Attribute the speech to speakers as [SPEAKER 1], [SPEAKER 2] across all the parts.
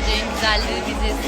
[SPEAKER 1] Geleceğin güzelleri biziz.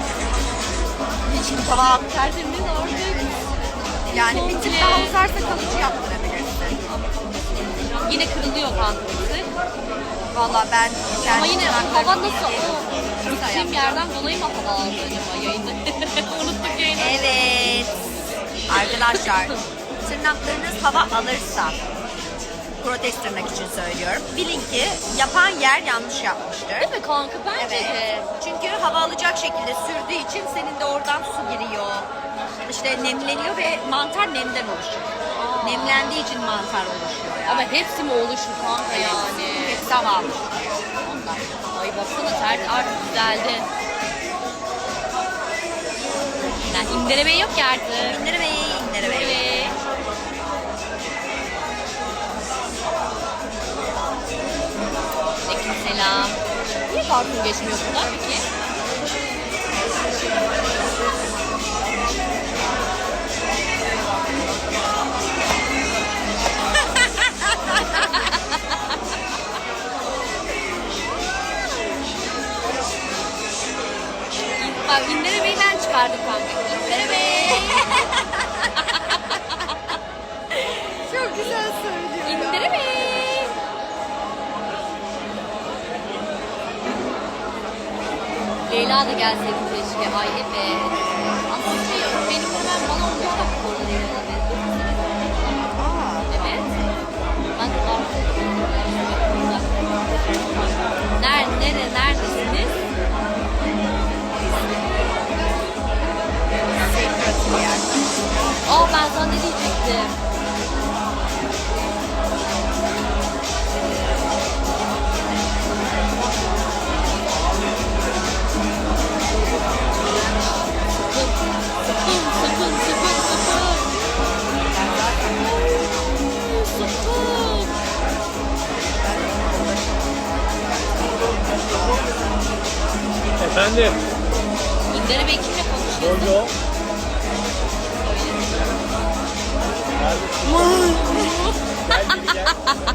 [SPEAKER 1] Hiç hava tertemiz artık.
[SPEAKER 2] Yani bir tık daha uzarsa kalıcı yaptırabilirsin.
[SPEAKER 1] Yine kırılıyor kankası.
[SPEAKER 2] Valla ben
[SPEAKER 1] Ama yine hava nasıl?
[SPEAKER 2] Kısa
[SPEAKER 1] Gittiğim yerden dolayı mı hava aldı acaba yayını? Unuttuk yayını.
[SPEAKER 2] Evet. Arkadaşlar tırnaklarınız hava alırsa protez tırnak için söylüyorum. Bilin ki yapan yer yanlış yapmıştır.
[SPEAKER 1] Değil mi kanka? Bence
[SPEAKER 2] Evet.
[SPEAKER 1] de.
[SPEAKER 2] Çünkü hava alacak şekilde sürdüğü için senin de oradan su giriyor. İşte nemleniyor ve mantar nemden oluşuyor. Nemlendiği için mantar oluşuyor yani.
[SPEAKER 1] Ama hepsi mi oluşur kanka yani?
[SPEAKER 2] Hepsi hava almış.
[SPEAKER 1] Ondan. Ay baksana tert artık güzeldi. Yani indireme yok ki artık.
[SPEAKER 2] İndire Bey, indire Bey.
[SPEAKER 1] Evet. Aleykümselam. Niye parfüm geçmiyor buradan peki? Bak İndire Bey'den çıkardık kanka. İndire Bey.
[SPEAKER 2] Çok güzel söylüyor.
[SPEAKER 1] İndire Bey. Leyla da gelseydi keşke. Ay evet. Ama şey yok. Benim hemen bana 15 dakika oluyor. Evet. Ben neredesiniz? Aa ben sana ne diyecektim? Sıkın.
[SPEAKER 3] Efendim?
[SPEAKER 1] İndire Bey kimle konuşuyor?
[SPEAKER 3] Jojo. Gel geri gel.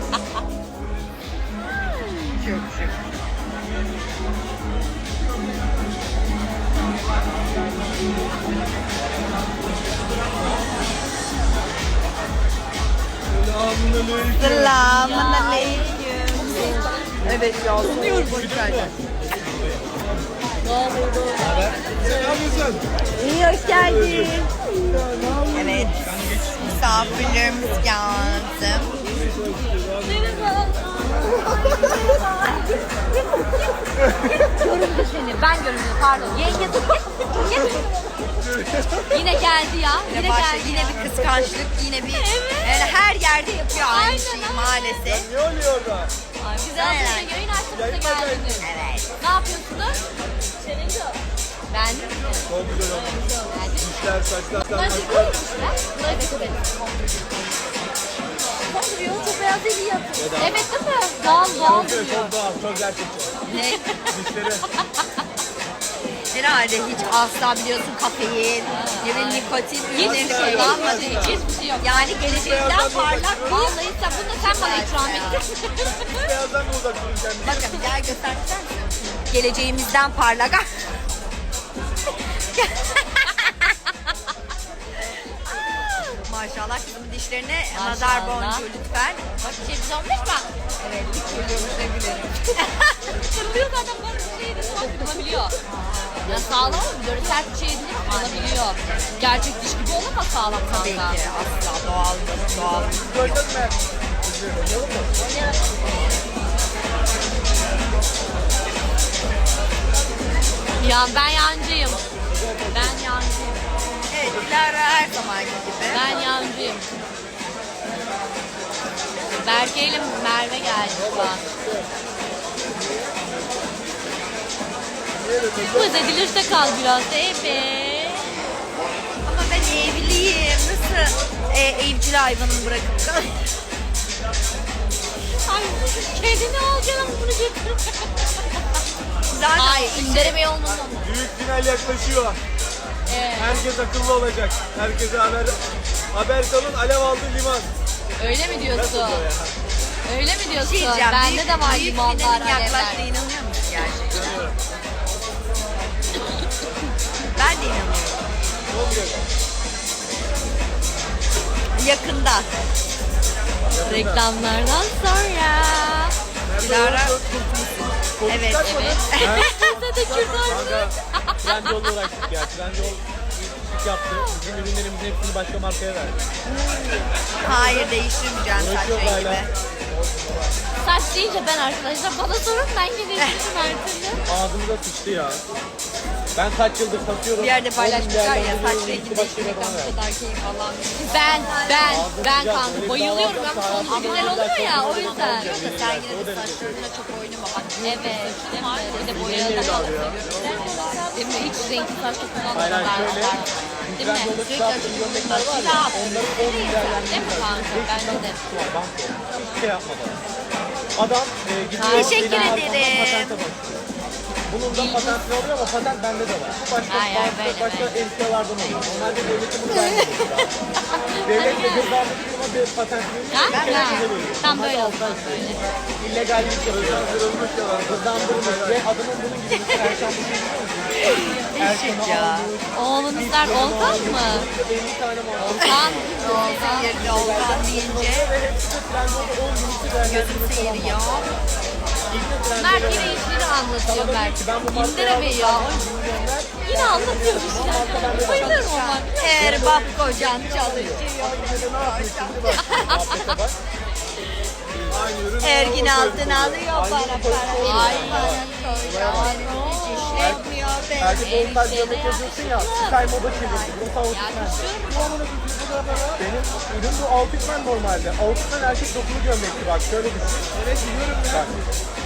[SPEAKER 2] Çok şık. Selamun aleyküm. Evet ya, sunuyorum bu içeride.
[SPEAKER 3] Sen ne yapıyorsun?
[SPEAKER 2] İyi, hoş geldin. Evet, misafirlerimiz geldi.
[SPEAKER 1] Göründü seni. Ben göründüm. Pardon. Yenge dur. Git. Yine geldi ya. Yine
[SPEAKER 2] Başta
[SPEAKER 1] geldi.
[SPEAKER 2] yine bir kıskançlık, yine bir yani her yerde yapıyor aynı
[SPEAKER 1] Aynen,
[SPEAKER 2] şeyi
[SPEAKER 1] aynen.
[SPEAKER 2] maalesef.
[SPEAKER 3] Ne oluyor orada?
[SPEAKER 1] Ay, bize az önce yayın açtığımızda geldiniz.
[SPEAKER 2] Evet.
[SPEAKER 1] Ne yapıyorsunuz? Beğendin mi?
[SPEAKER 3] Çok güzel olmuş. Dişler, saçlar,
[SPEAKER 1] Bunlar
[SPEAKER 3] saçlar.
[SPEAKER 1] zıplıyor işte. Bunlar zıplıyor. Duruyor. Çok beyaz değil iyi yapıyor. Evet değil mi? Doğal
[SPEAKER 3] Çok
[SPEAKER 1] duruyor.
[SPEAKER 3] doğal, çok gerçekçi.
[SPEAKER 2] Ne?
[SPEAKER 3] Dişleri.
[SPEAKER 2] Herhalde hiç asla biliyorsun kafein, ne bileyim nikotin ürünlerini
[SPEAKER 1] Hiçbir şey yok.
[SPEAKER 2] kullanmadığı için.
[SPEAKER 1] Hiçbir şey yok.
[SPEAKER 2] Yani geleceğinden parlak bir
[SPEAKER 1] Vallahi sen bunu da sen bana ikram ettin.
[SPEAKER 3] Beyazdan mı uzak durun kendini?
[SPEAKER 2] bakın gel göstersen misin? Geleceğimizden parlak. Maşallah kızımın dişlerine nazar
[SPEAKER 1] Maşallah.
[SPEAKER 2] boncuğu lütfen.
[SPEAKER 1] Bak bir şey güzel olmuş mu?
[SPEAKER 2] Evet, hiç gülüyormuş ne gülerim.
[SPEAKER 1] Kırılıyor zaten bana bir şey de kırılabiliyor. Ya sağlam ama böyle sert bir şey edince kırılabiliyor. Gerçek diş gibi olamaz sağlam
[SPEAKER 2] Tabii
[SPEAKER 1] kanka.
[SPEAKER 2] ki asla doğal, doğal.
[SPEAKER 3] Gördün mü? Oynayalım mı?
[SPEAKER 1] Ya ben yancıyım. Ben yancıyım.
[SPEAKER 2] Evet, Dilara her zamanki gibi.
[SPEAKER 1] Ben yancıyım. Berke ile Merve geldi şu an. Kız edilirse kal biraz da evet.
[SPEAKER 2] Ama ben evliyim. Nasıl evcil hayvanımı bırakıp da?
[SPEAKER 1] Ay kedini alacaksın bunu götür.
[SPEAKER 2] Zaten
[SPEAKER 1] Ay indireme olmalı.
[SPEAKER 3] Büyük final yaklaşıyor. Herkes akıllı olacak. Herkese haber salın, alev aldı liman.
[SPEAKER 1] Öyle mi diyorsun?
[SPEAKER 3] Nasıl o ya?
[SPEAKER 1] Öyle mi diyorsun?
[SPEAKER 2] şey diyeceğim.
[SPEAKER 1] Bende de var
[SPEAKER 2] büyük
[SPEAKER 1] limonlar,
[SPEAKER 2] finalin
[SPEAKER 1] alevler.
[SPEAKER 2] yaklaştığına inanıyor musun gerçekten? Yakında.
[SPEAKER 1] Reklamlardan sonra.
[SPEAKER 2] Dilara evet.
[SPEAKER 1] Evet. Sen de
[SPEAKER 3] Kanka Trendyol'la uğraştık ya. Trendyol iş yaptı. Bizim ürünlerimizin hepsini başka markaya verdi.
[SPEAKER 2] Hayır değiştirmeyeceğim saç
[SPEAKER 3] Uğraşıyor hala.
[SPEAKER 2] rengimi.
[SPEAKER 1] Saç deyince ben arkadaşlar bana sorun ben gideyim her türlü.
[SPEAKER 3] Ağzımıza sıçtı ya. Ben kaç yıldır satıyorum.
[SPEAKER 2] Bir yerde
[SPEAKER 3] 10
[SPEAKER 2] paylaşmışlar ya
[SPEAKER 3] milyardan
[SPEAKER 2] saç
[SPEAKER 3] biri
[SPEAKER 2] rengini
[SPEAKER 3] başka bir
[SPEAKER 2] değiştirmekten
[SPEAKER 3] adama
[SPEAKER 2] bu
[SPEAKER 3] verdi.
[SPEAKER 2] kadar keyif alan.
[SPEAKER 1] Ben kanka bayılıyorum. Ben sonu güzel oluyor ya o yüzden.
[SPEAKER 2] Sen yine de saçlarına çok oynama. Bak
[SPEAKER 1] Evet. Değil mi? Bir de boyalı da değil mi? Hiç renkli saç çok
[SPEAKER 3] Hayır
[SPEAKER 1] kullanmıyorlar.
[SPEAKER 3] hayır şöyle.
[SPEAKER 1] Değil mi?
[SPEAKER 3] Trendyol'da çıkarttığım gömlekler var ya. Onları 10 milyardan
[SPEAKER 1] Değil mi kanka? Bence de.
[SPEAKER 3] var. Banko. Hiçbir şey yapmadan. Adam gidiyor.
[SPEAKER 2] Teşekkür
[SPEAKER 3] benim arkamdan
[SPEAKER 2] ederim.
[SPEAKER 3] patente başlıyor. Bunun da patentini alıyor ama patent bende de var. Bu başka
[SPEAKER 1] Hayır, böyle,
[SPEAKER 3] başka
[SPEAKER 1] böyle.
[SPEAKER 3] emtialardan oluyor. Normalde devletin bunu vermiyor. Devlet de cezadaki firma bir patentini
[SPEAKER 1] Tam böyle olsun böyle.
[SPEAKER 3] illegallik hızlandırılmış yalan, hızlandırılmış ve adamın bunun gibi bir Erkan bu şey
[SPEAKER 2] Eşit ya.
[SPEAKER 1] Oğlunuzlar Olkan mı?
[SPEAKER 3] 50 tane mal.
[SPEAKER 1] Olkan.
[SPEAKER 2] Olkan yerine Olkan deyince
[SPEAKER 3] Ve hepsi de Trendyol'da 10 günlük
[SPEAKER 2] gözüm seyiriyor.
[SPEAKER 1] Mert yine işleri anlatıyor Mert. İndire Bey ya. Yine anlatıyor işte. Bayılıyorum onlar.
[SPEAKER 2] Erbap kocan çalışıyor. Ergin altına alıyor para. Ay kocan işlemiyor
[SPEAKER 3] Herkes
[SPEAKER 2] beni.
[SPEAKER 3] ondan göbek yazıyorsun ya, Sky moda çevirdi. Bu tavukman. Benim ürün bu Outfitman normalde. Outfitman erkek dokulu gömlekti bak, şöyle düşün. Evet biliyorum ya. Bak.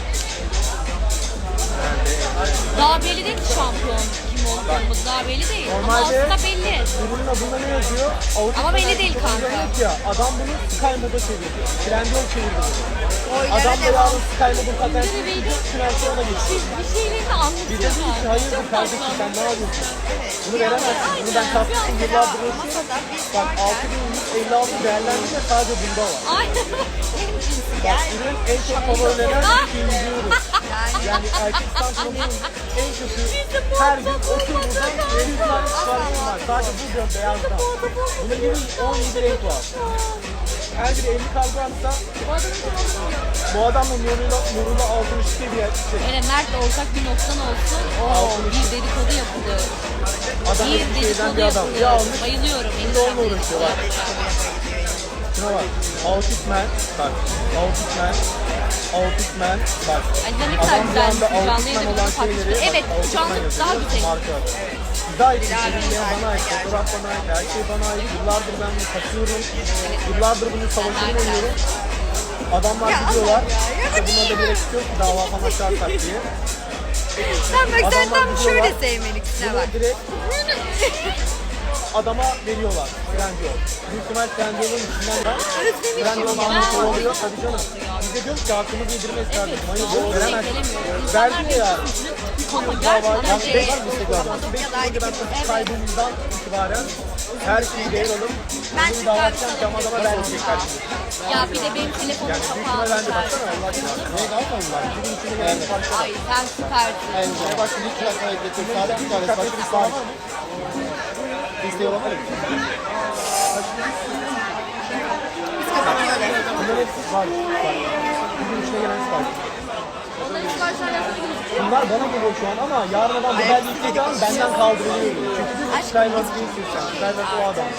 [SPEAKER 1] Daha belli değil ki şampiyon kim olduğumuz daha belli değil. Ama
[SPEAKER 3] Normalde
[SPEAKER 1] aslında belli.
[SPEAKER 3] ürünün adında ne yazıyor? Outfitman
[SPEAKER 1] Ama belli
[SPEAKER 3] erkek
[SPEAKER 1] değil
[SPEAKER 3] dokulu
[SPEAKER 1] kanka.
[SPEAKER 3] gömlek Ya, adam bunu Sky moda çevirdi. Trendyol çevirdi bunu.
[SPEAKER 2] Oylara
[SPEAKER 3] Adam da
[SPEAKER 2] devam.
[SPEAKER 3] yarın Sky modun
[SPEAKER 1] İndire
[SPEAKER 3] patentini
[SPEAKER 1] Bey'de
[SPEAKER 3] tutup Trendyol'a geçiyor.
[SPEAKER 1] bir şeylerini
[SPEAKER 3] Biz de dedik ki
[SPEAKER 1] anlatıyorlar.
[SPEAKER 3] hayırdır
[SPEAKER 1] Çok
[SPEAKER 3] kardeşim
[SPEAKER 1] tatlı.
[SPEAKER 3] sen ne yapıyorsun? Bunu veremezsin. Bunu ben kaptım yıllardır yaşıyorum.
[SPEAKER 2] Masada biz
[SPEAKER 3] Bak
[SPEAKER 2] varken
[SPEAKER 3] 6156 değerlendirme sadece bunda var.
[SPEAKER 1] Ay.
[SPEAKER 2] en cinsi
[SPEAKER 3] Bak
[SPEAKER 2] gel.
[SPEAKER 3] ürün en çok favorilenen
[SPEAKER 1] Ah!
[SPEAKER 3] ikinci ürün. Yani erkek santralının en kötü her gün 30 buradan 700 tane siparişim var. Sadece bu diyorum beyazdan. Bunun gibi 17 renk var. Her biri 50 kargo atsa bu adamla Nurul'la 62 bir şey.
[SPEAKER 1] Öyle Mert ortak bir noktan olsun. Oo, bir dedikodu yapılıyor.
[SPEAKER 3] Adam
[SPEAKER 1] Bir
[SPEAKER 3] bir şeyden
[SPEAKER 1] dedikodu
[SPEAKER 3] bir adam. Ya
[SPEAKER 1] yapılıyor.
[SPEAKER 3] almış.
[SPEAKER 1] Bayılıyorum.
[SPEAKER 3] Şimdi onunla uğraşıyorlar. Şuna bak. Outfitman. Bak. Outfitman. Bak.
[SPEAKER 1] Ay ne kadar
[SPEAKER 3] Adam bir
[SPEAKER 1] güzel
[SPEAKER 3] anda
[SPEAKER 1] canlı
[SPEAKER 3] Outfitman
[SPEAKER 1] yayında
[SPEAKER 3] olan
[SPEAKER 1] bunu
[SPEAKER 3] şeyleri.
[SPEAKER 1] paylaşıyor. Evet
[SPEAKER 3] bak,
[SPEAKER 1] bu canlı
[SPEAKER 3] Outfitman
[SPEAKER 1] daha
[SPEAKER 3] yazıyor.
[SPEAKER 1] güzel.
[SPEAKER 3] Marka adı. Güzel için ürünleyen bana ait. Fotoğraf bana ait. Her şey bana ait. Yıllardır ben bunu satıyorum. Yıllardır bunun savaşını veriyorum. Adamlar gidiyorlar. İşte buna da gerek yok ki dava falan açarsak diye.
[SPEAKER 2] Sen bak sen
[SPEAKER 3] Adamlar
[SPEAKER 2] tam şöyle
[SPEAKER 3] gidiyorlar.
[SPEAKER 2] sevmeliksin
[SPEAKER 3] Bunu
[SPEAKER 2] bak.
[SPEAKER 3] direkt adama veriyorlar. Trendyol. Büyük ihtimal Trendyol'un içinden de Trendyol'un almış oluyor. Tabii canım. Biz de diyoruz ki hakkımızı yedirmeyiz kardeşim. Hayır yok veremezsin. Verdi ya.
[SPEAKER 1] Ama
[SPEAKER 3] Dava
[SPEAKER 1] gerçekten
[SPEAKER 3] yani
[SPEAKER 1] şey.
[SPEAKER 3] 5 yıl Instagram'da. 5 yılda ben satış kaybımızdan itibaren her şeyi değer alıp
[SPEAKER 2] Ben
[SPEAKER 3] bunu
[SPEAKER 2] şu
[SPEAKER 3] dava
[SPEAKER 2] kahve
[SPEAKER 3] açacağım ki ama adama vermeyecek kardeşim.
[SPEAKER 1] Ya bir de benim telefonum
[SPEAKER 3] Yani büyük ihtimal bence
[SPEAKER 1] kapalı.
[SPEAKER 3] baksana Allah aşkına. Ne kalmadılar? Bugün içine gelen siparişler.
[SPEAKER 1] Ay sen süpersin.
[SPEAKER 3] Ne başka bir kere getir. Sadece bir tane başka bir sipariş. İsteği olan var mı? Bunların hepsi var. Bugün içine gelen sipariş.
[SPEAKER 1] Onların siparişler yapmayı
[SPEAKER 3] Bunlar bana geliyor şu an ama yarın adam model yüklediği an benden kaldırılıyor. Çünkü bir Skyward değilsin sen. Skyward o adam.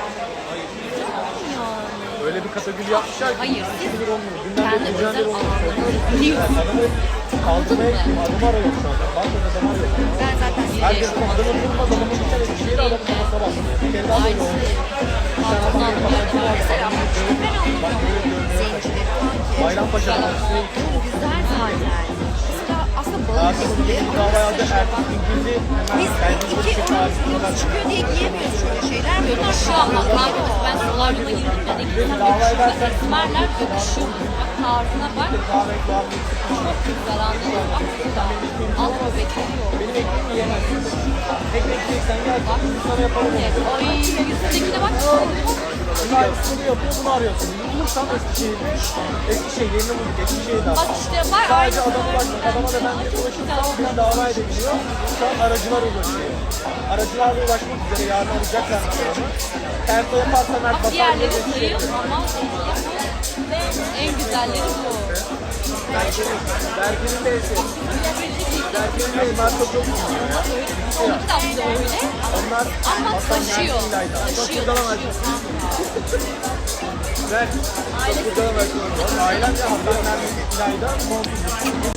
[SPEAKER 3] Öyle bir kategori yapmışlar ki.
[SPEAKER 1] Hayır.
[SPEAKER 3] Hiçbir olmuyor. Günden
[SPEAKER 1] Kendi
[SPEAKER 3] beri düzenli
[SPEAKER 1] özel
[SPEAKER 3] olmuyor.
[SPEAKER 1] alanlarını
[SPEAKER 3] Adamı kaldırmaya gittim. Adım arıyor şu anda. Bankada adam arıyor.
[SPEAKER 2] Ben zaten
[SPEAKER 3] Herkes adamı bulmaz. Adamı bir kere bir şeyle adamın kafasına basmıyor. Bir kere daha böyle oldu. Bir tane adam benim kafasına
[SPEAKER 2] mesela
[SPEAKER 3] bak böyle görmeye
[SPEAKER 2] zencileri falan ki.
[SPEAKER 3] Bayrampaşa Partisi'ne
[SPEAKER 2] Güzel zaten. Mesela aslında balık
[SPEAKER 3] Hakim
[SPEAKER 2] gibi.
[SPEAKER 3] bir dava yazdı. Erkek İngiliz'i
[SPEAKER 2] Biz
[SPEAKER 3] hemen
[SPEAKER 2] iki oyuncularımız çıkıyor diye giyemiyoruz şöyle şeyler. Bunlar
[SPEAKER 1] Şu an bak kanka ben solaryuma girdim ya. İkisinden yakışıyor. Esmerler yakışıyor. Bak tarzına bak.
[SPEAKER 3] kahve ekmeği
[SPEAKER 1] Çok güzel anladın mı? Bak güzel. Al bebekleri yok.
[SPEAKER 3] benim ekmeğimi yiyemezsin. Ekmek yiyeceksen gel bak sana yapalım.
[SPEAKER 1] Ay yüzündekine bak.
[SPEAKER 3] Aynısını bunu yapıyor, bunu arıyorsun. Bulursam Eskişehir'de, Eskişehir, yeni bulduk, Eskişehir'de.
[SPEAKER 1] Bak işte var
[SPEAKER 3] Sadece
[SPEAKER 1] aynısı.
[SPEAKER 3] adama ulaşmak, adama da ben bir ulaşırsam bir dava edebiliyor. Şu an aracılar ulaşıyor. Aracılarla ulaşmak üzere yarın alacaklar onu. Terso yaparsan her
[SPEAKER 1] Bak diğerleri
[SPEAKER 3] batarya
[SPEAKER 1] zayıf ama en güzelleri bu.
[SPEAKER 3] Berke'nin de eski. Berke'nin de marka çok iyi ya.
[SPEAKER 1] Onunki da bize öyle.
[SPEAKER 3] Onlar
[SPEAKER 1] Ama taşıyor. Taşıyor.
[SPEAKER 3] Ben çok güzel versiyonu var. Ailem de Hasan Mermi İlay'da